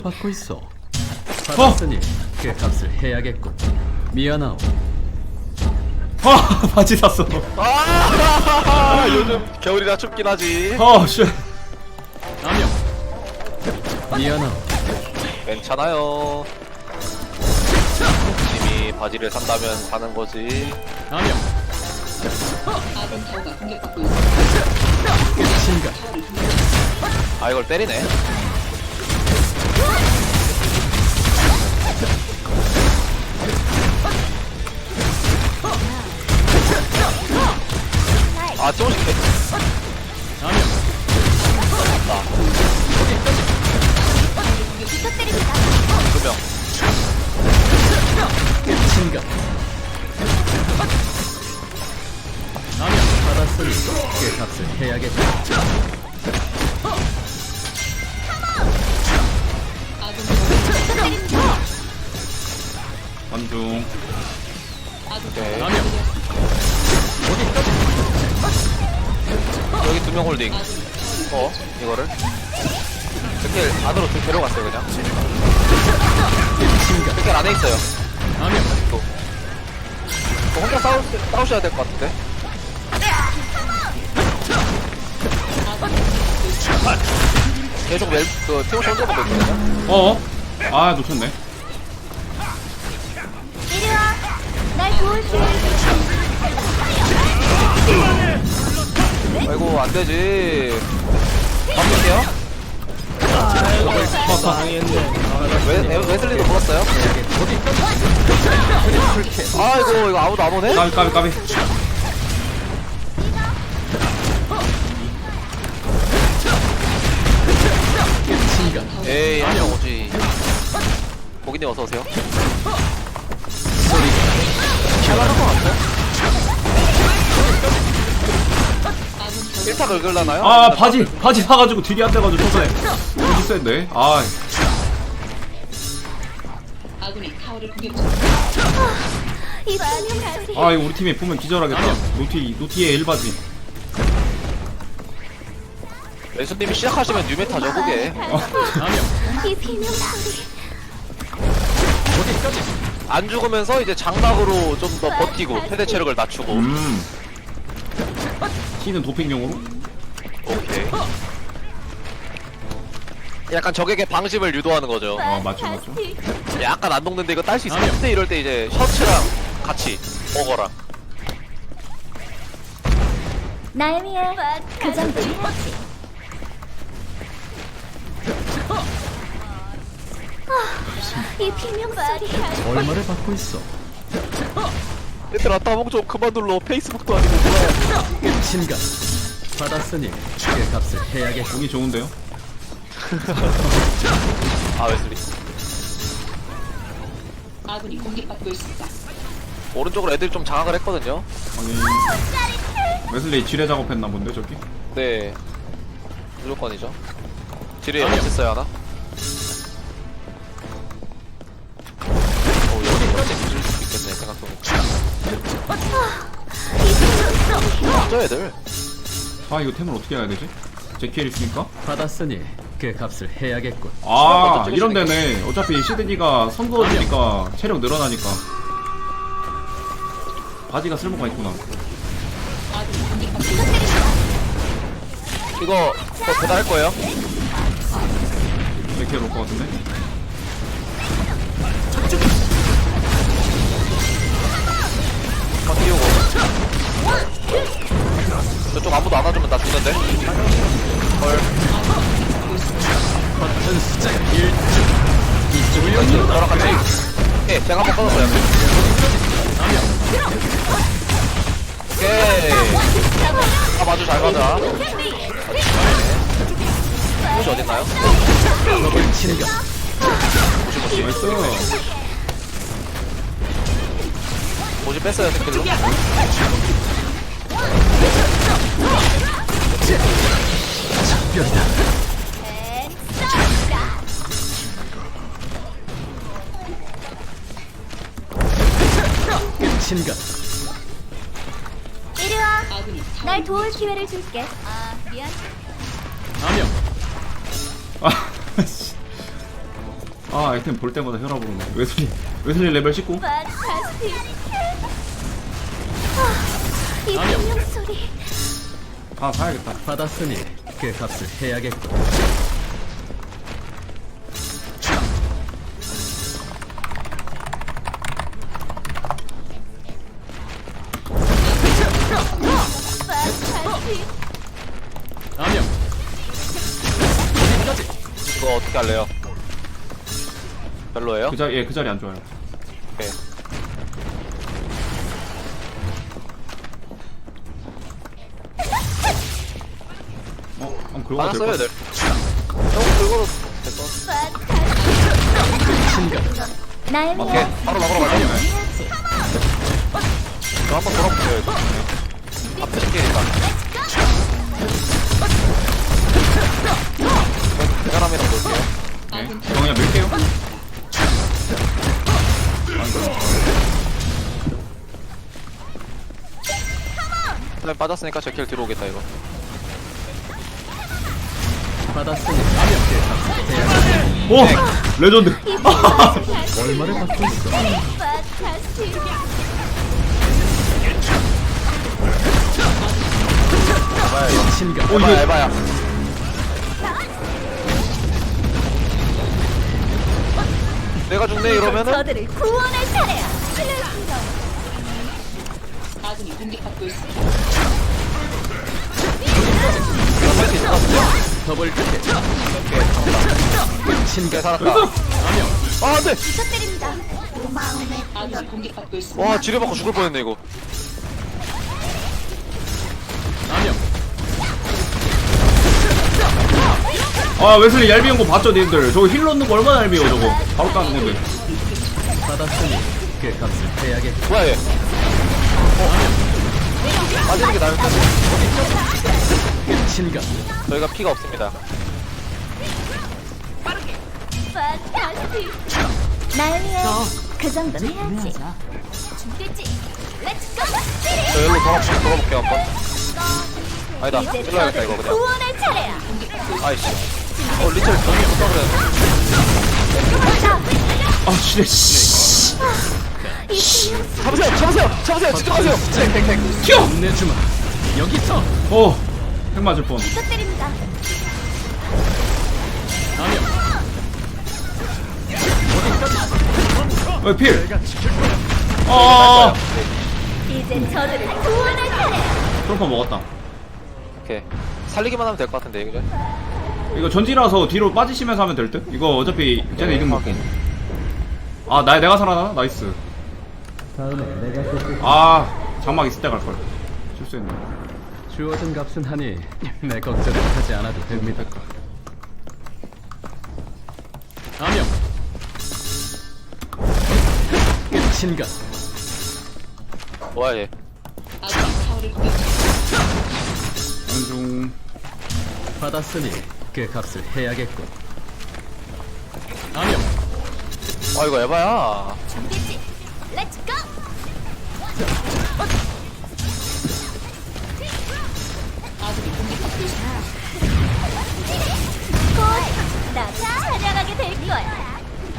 받고 있어. 받았으니 그 값을 해야겠군. 미안하오. 바지 샀어. 요즘 겨울이라 춥긴 하지. 쉣. 아명. 미안하오. 괜찮아요. 짐이 바지를 산다면 사는 거지. 아명. 아군 타워가 공격받고 있습니다. 끝인가? 아 이걸 때리네. 아 조금씩 아명. 두명 끝인가? 아명. 받았으니 그 값을 해야겠군. 아군 타워가 관중. 오케이. 아명. 여기 두 명 홀딩. 이거를 이렇게 안으로 좀 데려갔어요 그냥. 끝인가? 이렇게 안에 있어요. 아명. 혼자 싸우셔야 될 것 같은데. 계속 티모시 혼자 보고 있거든요. 놓쳤네. 이리와. 날 도울게. 아이고 안 되지. 바꿀게요. 웨슬리도 물었어요. 아이고 이거 아무도 안 오네. 까비. 끝인가? 에이 한명 오지. 고기님 어서 오세요. 잘나간 것 같아. 1타 긁을라나요? 바지 사가지고 딜이 안 돼가지고 초반에 여기 센데. 아군이 타워를 공격 중입니다. 이 분명 소리. 이거 우리 팀에 보면 기절하겠다. 노티의 1바지. 왼수님이 시작하시면 뉴메타죠 그게. 아명. 이 비명 소리. 안 죽으면서 이제 장막으로 좀 더 버티고 최대 체력을 낮추고. T는 도핑용으로? 오케이. 약간 적에게 방심을 유도하는 거죠. 맞죠. 약간 안 녹는데 이거 딸 수 있어. 아니요. 근데 이럴 때 이제 셔츠랑 같이 먹어라. 나이미의 그 정도 해야지. 이 비명 소리. 얼마를 받고 있어? 얘들아 따봉 좀 그만 눌러. 페이스북도 아니고 뭐야. 끝인가? 받았으니 그 값을 해야겠군. 공이 좋은데요? 아 웨슬리. 아군이 공격받고 있습니다. 오른쪽으로 애들 좀 장악을 했거든요. 아니 웨슬리 지뢰 작업했나 본데 저기? 네. 무조건이죠. 지뢰에 맞췄어요 하나. 여기까지 뒤질 수도 있겠네 생각해보니까. 진짜 애들. 이거 템을 어떻게 해야 되지? 제키엘 있으니까? 받았으니 그 값을 해야겠군. 이런 데네. 어차피 시드니가 선거지니까 체력 늘어나니까. 바지가 쓸모가 있구나. 아군이 공격받고 있습니다. 이거 배달할 거예요? 제키엘 올 것 같은데? 띄우고. 저쪽 아무도 안 와주면 나 죽는데? 헐. 버튼 숫자가 1주. 이쪽을 연결. 저랑 같이. 오케이, 제가 한번 꺼졌어요. 오케이. 맞아, 잘 맞아. 혹시 어딨나요? 끝인가? 나이스. 모지 뺐어요, 스킬로. 작별이다. 끝인가? 이리와. 아군이 날 도울 기회를 줄게. 미안. 아명. 아 아이템 볼 때마다 혈압 오르네. 웨슬리 레벨 19. 판타스틱. 이 비명 소리. 아 사야겠다. 받았으니 그 값을 해야겠군. 판타스틱. 암영. 이거 어떻게 할래요? 별로예요? 그 자리 안 좋아요. 오케이. 한번 긁어도 받았어요, 될것 네. 형 긁어도 됐어. 신가. 나의 오케이. 미래. 바로 막으러 가자. 해야지. 저 한번 돌아볼게요, 이거. 앞에 스킬이니까. 대가람이랑 볼게요. 같아. 저 그냥 밀게요. 그다음에 빠졌으니까 제 킬 들어오겠다, 이거. 받았으니 암영 그 값을 해야겠군. 오! 레전드! 얼마를 받고 있어? 판타스틱. 에바야, 이거. 신가. 에바야, 에바야. 내가 죽네, 이러면은? 저들을 구원할 차례야. 아군이 공격받고 있습니다. 할수 있어. 더블 끝에. 신가. 살았다. 암영. 아, 안 돼! 부탁드립니다. 아군이 공격받고 있습니다. 와, 지뢰받고 죽을 뻔했네, 이거. 암영. 아 웨슬리 얄미운 거 봤죠 님들? 저거 힐 넣는 거 얼마나 얄미워 저거. 바로 까는 건데. 받았으니 그 값을 해야겠군. 뭐야, 얘? 빠지는 게 나을 텐데. 신가. 저희가 피가 없습니다. 판타스틱. 나의 미래. 그 정도는 해야지. 준비됐지? 렛츠 고! 저 여기로 돌아볼게요, 한번. 아니다, 이제 찔러야겠다, 저들을 이거 그냥. 구원할 차례야. 아이씨. 리첼 정리 못하 그래. 아 씨네 씨. 이 비명 잡으세요, 잡으세요, 잡으세요, 집중하세요. 탱탱탱. 튀어! 내주마. 여기서. 핵 맞을 뻔. 부탁드립니다. 암영. 왜 필? 아 이제 저들을 구원할 차례야. 트럼프 먹었다. 오케이. 살리기만 하면 될 것 같은데, 그죠? 이거 전지라서 뒤로 빠지시면서 하면 될 듯? 이거 어차피 쟤네 이등 먹고. 아 내가 살아나? 나이스. 아 장막 있을 때 갈걸. 실수했네. 주어진 값은 하니 내 걱정을 하지 않아도 됩니다. 암영. 신가. 뭐야, 얘. 아군이 타워를 공격 중입니다. 안중. 받았으니 그 값을 해야겠군. 암영. 아, 이거 에바야. 준비됐지? 렛츠 고! 아군이 공격받고 있습니다. 곧 나도 찬양하게 될 거야.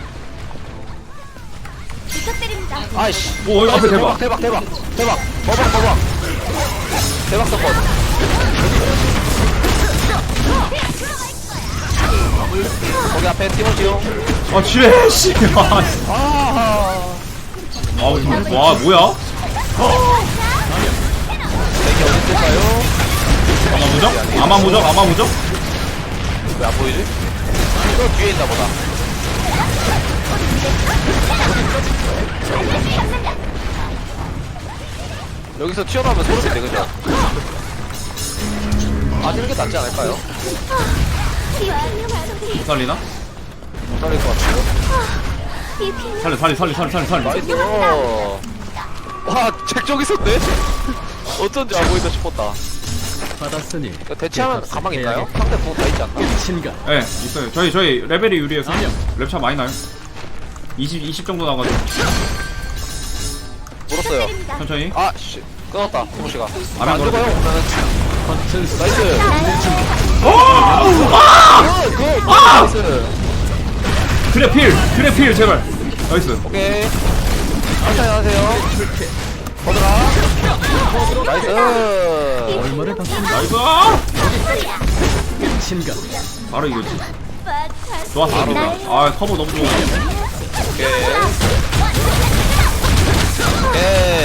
부탁드립니다. 아이씨. 오 앞에 대박. 대박, 대박, 대박. 버벅. 대박 사건. 거기 앞에 티모시오. 아 지뢰 씨. 아, 와 뭐야? 이게 어디 있을까요? 아마무적? 왜 안 보이지? 저 뒤에 있나 보다. 여기서 튀어나오면 소름인데, 그죠? 빠지는 게 낫지 않을까요? 이 비명 소리. 못 살리나? 못 살릴 것 같아요. 이 비명 살려. 나이스. 와, 잭 저기 있었네? 어쩐지 안 보인다 싶었다. 받았으니 이거 대체하면 그 값을 가망 있나요? 해야겠군. 상대 공 다 있지 않나? 신가. 예 있어요. 저희 레벨이 유리해서 아니요. 랩차 많이 나요. 20 정도 나가지고 물었어요. 부탁드립니다. 천천히. 아, 씨. 끊었다, 티모시가. 안 안 죽어요, 그러면은. 버튼 나이스. 오! 굿! 나이스. 그래 필 제발. 나이스. 오케이. 천천히 하세요. 거들아. 나이스. 얼마를 받습니다. 나이스. 신가. 바로 이거지. 맞 좋았어 누나. 아 커버 너무 좋아. 오케이. 오케이.